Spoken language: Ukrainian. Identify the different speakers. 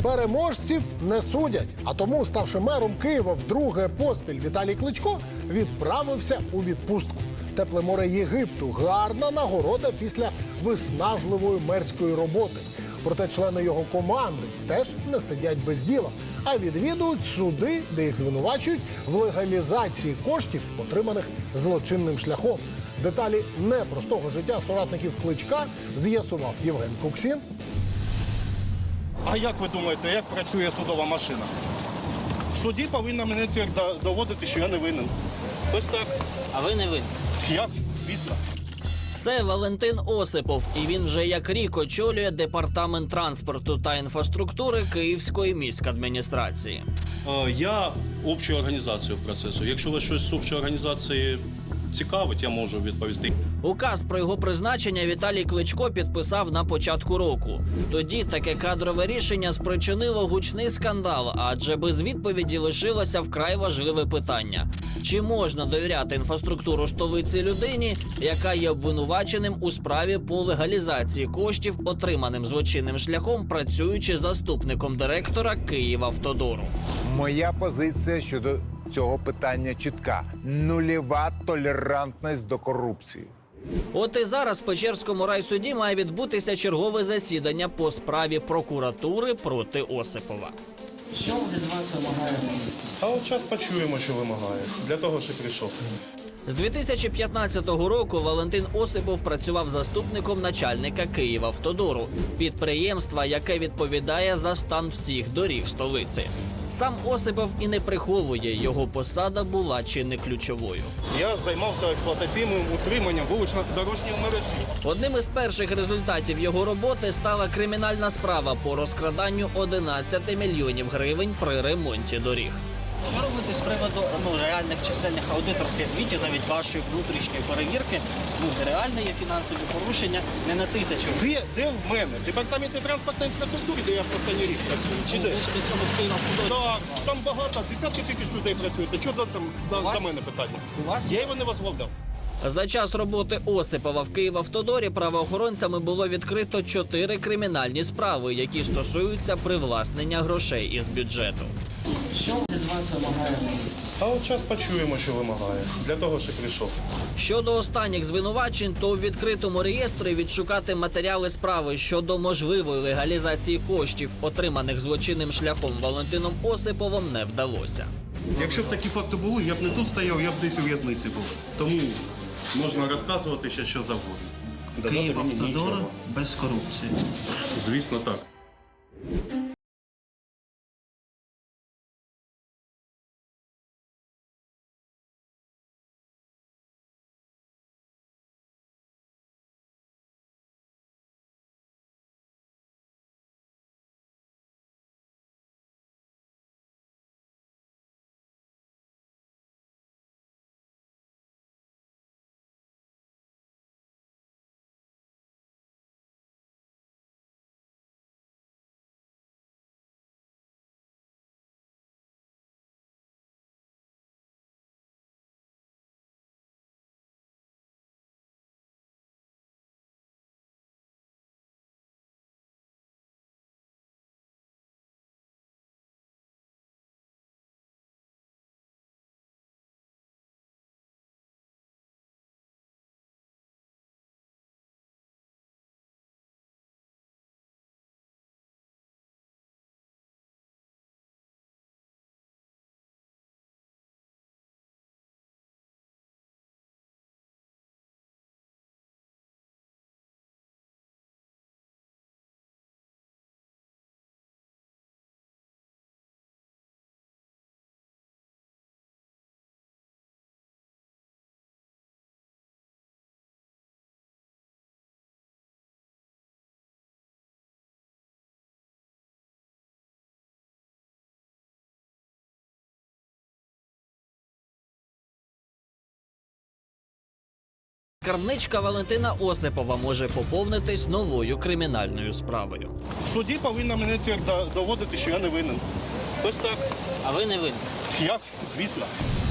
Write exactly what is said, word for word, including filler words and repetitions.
Speaker 1: Переможців не судять. А тому, ставши мером Києва вдруге поспіль, Віталій Кличко відправився у відпустку. Тепле море Єгипту – гарна нагорода після виснажливої мерської роботи. Проте члени його команди теж не сидять без діла, а відвідують суди, де їх звинувачують в легалізації коштів, отриманих злочинним шляхом. Деталі непростого життя соратників Кличка з'ясував Євген Куксін.
Speaker 2: А як ви думаєте, як працює судова машина? В суді повинна мене доводити, що я не винен. Ось так.
Speaker 3: А ви не винні?
Speaker 2: Як? Звісно.
Speaker 3: Це Валентин Осипов, і він вже як рік очолює департамент транспорту та інфраструктури Київської міськадміністрації.
Speaker 2: Я общу організацію процесу. Якщо вас щось з общої організації цікавить, я можу відповісти.
Speaker 3: Указ про його призначення Віталій Кличко підписав на початку року. Тоді таке кадрове рішення спричинило гучний скандал, адже без відповіді лишилося вкрай важливе питання. Чи можна довіряти інфраструктуру столиці людині, яка є обвинуваченим у справі по легалізації коштів, отриманим злочинним шляхом, працюючи заступником директора Київавтодору?
Speaker 4: Моя позиція щодо цього питання чітка. Нульова толерантність до корупції.
Speaker 3: От і зараз в Печерському райсуді має відбутися чергове засідання по справі прокуратури проти Осипова.
Speaker 5: Що від вас вимагає слідство?
Speaker 2: А от час почуємо, що вимагає. Для того, що прийшов.
Speaker 3: З дві тисячі п'ятнадцятого року Валентин Осипов працював заступником начальника Київавтодору, підприємства, яке відповідає за стан всіх доріг столиці. Сам Осипов і не приховує, його посада була чи не ключовою.
Speaker 2: Я займався експлуатаційним утриманням вулично-дорожньої мережі.
Speaker 3: Одним із перших результатів його роботи стала кримінальна справа по розкраданню одинадцяти мільйонів гривень при ремонті доріг.
Speaker 5: Що робити з приводу ну, реальних чисельних аудиторських звітів, навіть вашої внутрішньої перевірки? Ну, реально є фінансові порушення не на тисячу.
Speaker 2: Де, де в мене? В департаменті транспортної інфраструктури, де я в останній рік працюю? Чи де?
Speaker 5: Ви ж до цього Київавтодорі.
Speaker 2: Так, там багато, десятки тисяч людей працюють. То чого це до,
Speaker 5: вас?
Speaker 2: до мене питання?
Speaker 5: У вас
Speaker 2: Я його не возглавляв.
Speaker 3: За час роботи Осипова в Київавтодорі правоохоронцями було відкрито чотири кримінальні справи, які стосуються привласнення грошей із бюджету.
Speaker 5: Що від вас вимагає слідство?
Speaker 2: А от час почуємо, що вимагає. Для того, що прийшов.
Speaker 3: Щодо останніх звинувачень, то у відкритому реєстрі відшукати матеріали справи щодо можливої легалізації коштів, отриманих злочинним шляхом Валентином Осиповим, не вдалося.
Speaker 2: Якщо б такі факти були, я б не тут стояв, я б десь у в'язниці був. Тому можна розказувати ще що завгодно. Додати мені
Speaker 5: Київавтодор
Speaker 2: нічого.
Speaker 5: без корупції.
Speaker 2: Звісно, так.
Speaker 3: Скарбничка Валентина Осипова може поповнитись новою кримінальною справою.
Speaker 2: В суді повинна мене доводити, що я не винен. Ось так.
Speaker 5: А ви не винні?
Speaker 2: Як? Звісно.